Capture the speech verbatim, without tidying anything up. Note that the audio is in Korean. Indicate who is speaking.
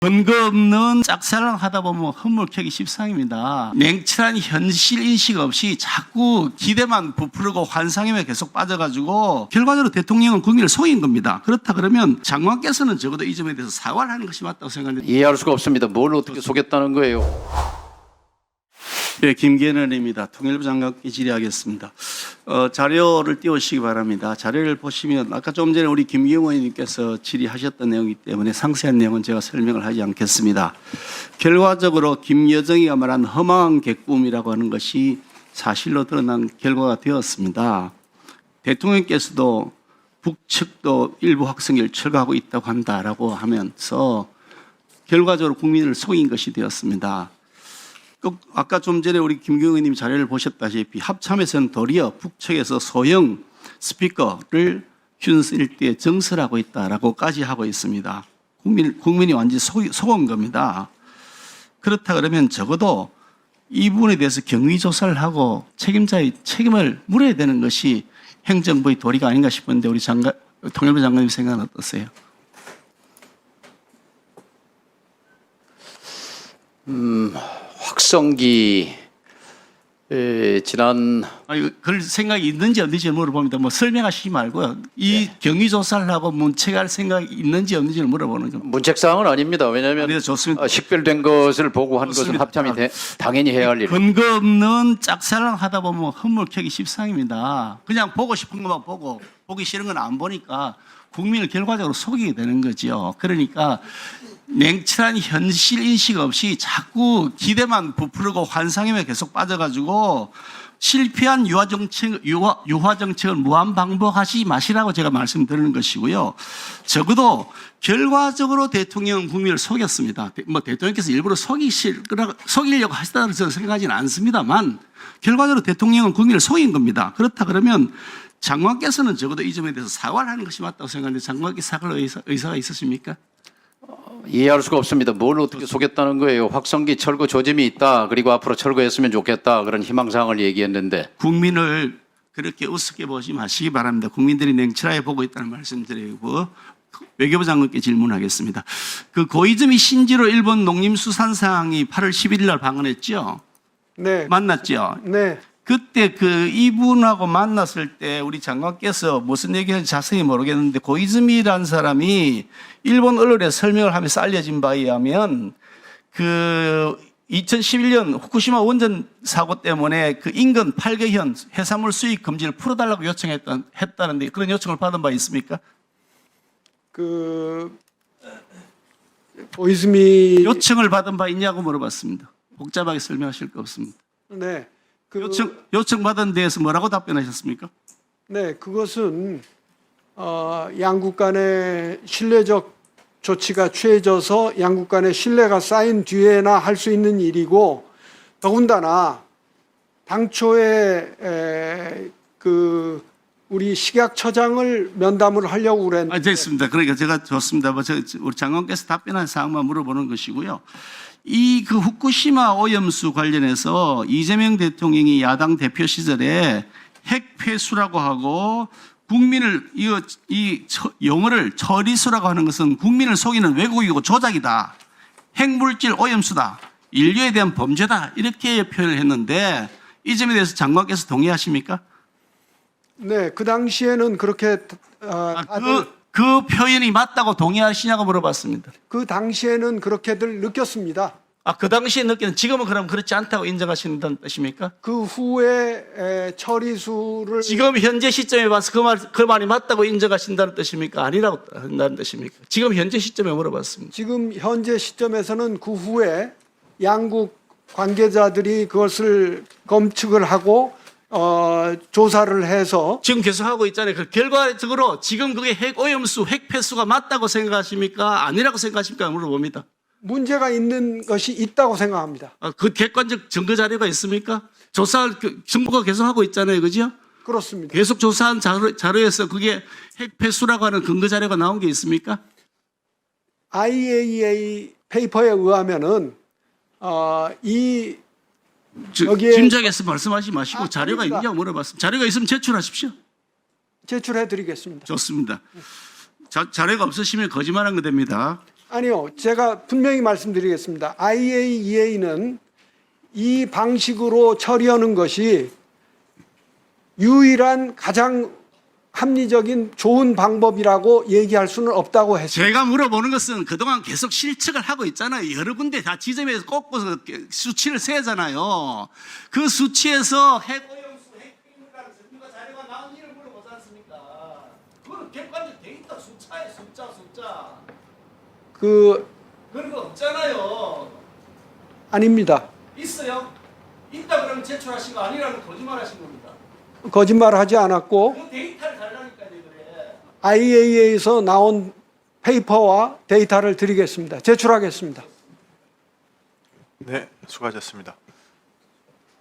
Speaker 1: 근거 없는 짝사랑 하다 보면 허물캐기 십상입니다. 냉철한 현실 인식 없이 자꾸 기대만 부풀고 환상에만 계속 빠져가지고 결과적으로 대통령은 국민을 속인 겁니다. 그렇다 그러면 장관께서는 적어도 이 점에 대해서 사과를 하는 것이 맞다고 생각합니다.
Speaker 2: 이해할 수가 없습니다. 뭘 어떻게 속였다는 거예요?
Speaker 1: 네, 김계는입니다. 통일부 장관께 질의하겠습니다. 어, 자료를 띄우시기 바랍니다. 자료를 보시면 아까 좀 전에 우리 김기영 의원님께서 질의하셨던 내용이기 때문에 상세한 내용은 제가 설명을 하지 않겠습니다. 결과적으로 김여정이가 말한 허망한 개꿈이라고 하는 것이 사실로 드러난 결과가 되었습니다. 대통령께서도 북측도 일부 학생을 철거하고 있다고 한다라고 하면서 결과적으로 국민을 속인 것이 되었습니다. 아까 좀 전에 우리 김경호 의원님 자료를 보셨다시피 합참에서는 도리어 북측에서 소형 스피커를 휴전선 일대에 정설하고 있다라고까지 하고 있습니다. 국민, 국민이 완전히 속, 속은 겁니다. 그렇다 그러면 적어도 이 부분에 대해서 경위조사를 하고 책임자의 책임을 물어야 되는 것이 행정부의 도리가 아닌가 싶은데 우리 장관, 통일부 장관님 생각은 어떠세요?
Speaker 2: 음... 확성기 에, 지난
Speaker 1: 아니, 그럴 생각이 있는지 없는지 물어봅니다. 뭐 설명하시지 말고요. 이 네. 경위조사를 하고 문책할 생각이 있는지 없는지를 물어보는 겁니다.
Speaker 2: 문책사항은 아닙니다. 왜냐하면
Speaker 1: 네, 좋습니다.
Speaker 2: 식별된 것을 보고 한
Speaker 1: 좋습니다.
Speaker 2: 것은 합참이 대, 당연히 해야 할 일.
Speaker 1: 근거 없는 짝사랑 하다 보면 허물캐기 십상입니다. 그냥 보고 싶은 것만 보고 보기 싫은 건 안 보니까 국민을 결과적으로 속이게 되는 거죠. 그러니까 냉철한 현실 인식 없이 자꾸 기대만 부풀고 환상에만 계속 빠져가지고 실패한 유화 정책, 유화, 유화 정책을 무한 반복하지 마시라고 제가 말씀드리는 것이고요. 적어도 결과적으로 대통령은 국민을 속였습니다. 뭐 대통령께서 일부러 속이실, 속이려고 하시다는 저는 생각하지는 않습니다만 결과적으로 대통령은 국민을 속인 겁니다. 그렇다 그러면 장관께서는 적어도 이 점에 대해서 사과를 하는 것이 맞다고 생각하는데 장관께 사과할 의사, 의사가 있으십니까?
Speaker 2: 이해할 수가 없습니다. 뭘 어떻게 속였다는 거예요? 확성기 철거 조짐이 있다. 그리고 앞으로 철거했으면 좋겠다. 그런 희망사항을 얘기했는데.
Speaker 1: 국민을 그렇게 우습게 보지 마시기 바랍니다. 국민들이 냉철하게 보고 있다는 말씀드리고 외교부 장관께 질문하겠습니다. 그 고이즈미 신지로 일본 농림수산상이 팔월 십일일 날 방문했죠?
Speaker 3: 네.
Speaker 1: 만났죠?
Speaker 3: 네.
Speaker 1: 그때 그 이분하고 만났을 때 우리 장관께서 무슨 얘기하는지 자세히 모르겠는데 고이즈미라는 사람이 일본 언론에 설명을 하면서 알려진 바에 의하면 그 이천십일 년 후쿠시마 원전 사고 때문에 그 인근 팔 개현 해산물 수입 금지를 풀어달라고 요청했던 했다는데 그런 요청을 받은 바 있습니까?
Speaker 3: 그 고이즈미
Speaker 1: 요청을 받은 바 있냐고 물어봤습니다. 복잡하게 설명하실 거 없습니다.
Speaker 3: 네. 그,
Speaker 1: 요청 요청 받은 데에서 뭐라고 답변하셨습니까?
Speaker 3: 네, 그것은 어, 양국 간의 신뢰적 조치가 취해져서 양국 간의 신뢰가 쌓인 뒤에나 할 수 있는 일이고 더군다나 당초에 에, 그 우리 식약처장을 면담을 하려고 그랬는데.
Speaker 1: 아, 됐습니다. 그러니까 제가 좋습니다. 뭐 저, 우리 장관께서 답변한 사항만 물어보는 것이고요. 이 그 후쿠시마 오염수 관련해서 이재명 대통령이 야당 대표 시절에 핵폐수라고 하고 국민을 이, 이 용어를 처리수라고 하는 것은 국민을 속이는 왜곡이고 조작이다. 핵물질 오염수다. 인류에 대한 범죄다. 이렇게 표현을 했는데 이 점에 대해서 장관께서 동의하십니까?
Speaker 3: 네, 그 당시에는 그렇게 어,
Speaker 1: 아, 그, 그 표현이 맞다고 동의하시냐고 물어봤습니다.
Speaker 3: 그 당시에는 그렇게들 느꼈습니다.
Speaker 1: 아, 그 당시에 느끼는 지금은 그럼 그렇지 않다고 인정하신다는 뜻입니까?
Speaker 3: 그 후에 에, 처리수를
Speaker 1: 지금 현재 시점에 봐서 그 말, 그 말이 맞다고 인정하신다는 뜻입니까? 아니라고 한다는 뜻입니까? 지금 현재 시점에 물어봤습니다.
Speaker 3: 지금 현재 시점에서는 그 후에 양국 관계자들이 그것을 검측을 하고 어, 조사를 해서
Speaker 1: 지금 계속 하고 있잖아요. 그 결과적으로 지금 그게 핵 오염수, 핵 폐수가 맞다고 생각하십니까? 아니라고 생각하십니까? 물어봅니다.
Speaker 3: 문제가 있는 것이 있다고 생각합니다.
Speaker 1: 아, 그 객관적 증거 자료가 있습니까? 조사 정부가 계속 하고 있잖아요, 그죠?
Speaker 3: 그렇습니다.
Speaker 1: 계속 조사한 자료, 자료에서 그게 핵 폐수라고 하는 근거 자료가 나온 게 있습니까?
Speaker 3: 아이에이이에이 페이퍼에 의하면은 어, 이
Speaker 1: 저,
Speaker 3: 여기에
Speaker 1: 짐작해서 말씀하지 마시고
Speaker 3: 아,
Speaker 1: 자료가
Speaker 3: 아닙니다.
Speaker 1: 있냐고 물어봤습니다. 자료가 있으면 제출하십시오.
Speaker 3: 제출해 드리겠습니다.
Speaker 1: 좋습니다. 자, 자료가 없으시면 거짓말한 거 됩니다.
Speaker 3: 아니요, 제가 분명히 말씀드리겠습니다. 아이에이이에이는 이 방식으로 처리하는 것이 유일한 가장 합리적인 좋은 방법이라고 얘기할 수는 없다고 했습니다.
Speaker 1: 제가 물어보는 것은 그동안 계속 실측을 하고 있잖아요. 여러 군데 다 지점에서 꺾어서 수치를 세잖아요. 그 수치에서 핵 오염수, 핵 핵물가는 전문가 자료가 나온 일을 물어보지 않습니까? 그거는 객관적 데이터 숫자에 숫자 숫자.
Speaker 3: 그
Speaker 1: 그런 거 없잖아요.
Speaker 3: 아닙니다.
Speaker 1: 있어요? 있다 그러면 제출하신 거 아니라는 거짓말 하신 겁니다.
Speaker 3: 거짓말하지 않았고
Speaker 1: 그 데이터를 달라니까요, 그래.
Speaker 3: 아이에이이에이에서 나온 페이퍼와 데이터를 드리겠습니다. 제출하겠습니다.
Speaker 4: 네, 수고하셨습니다.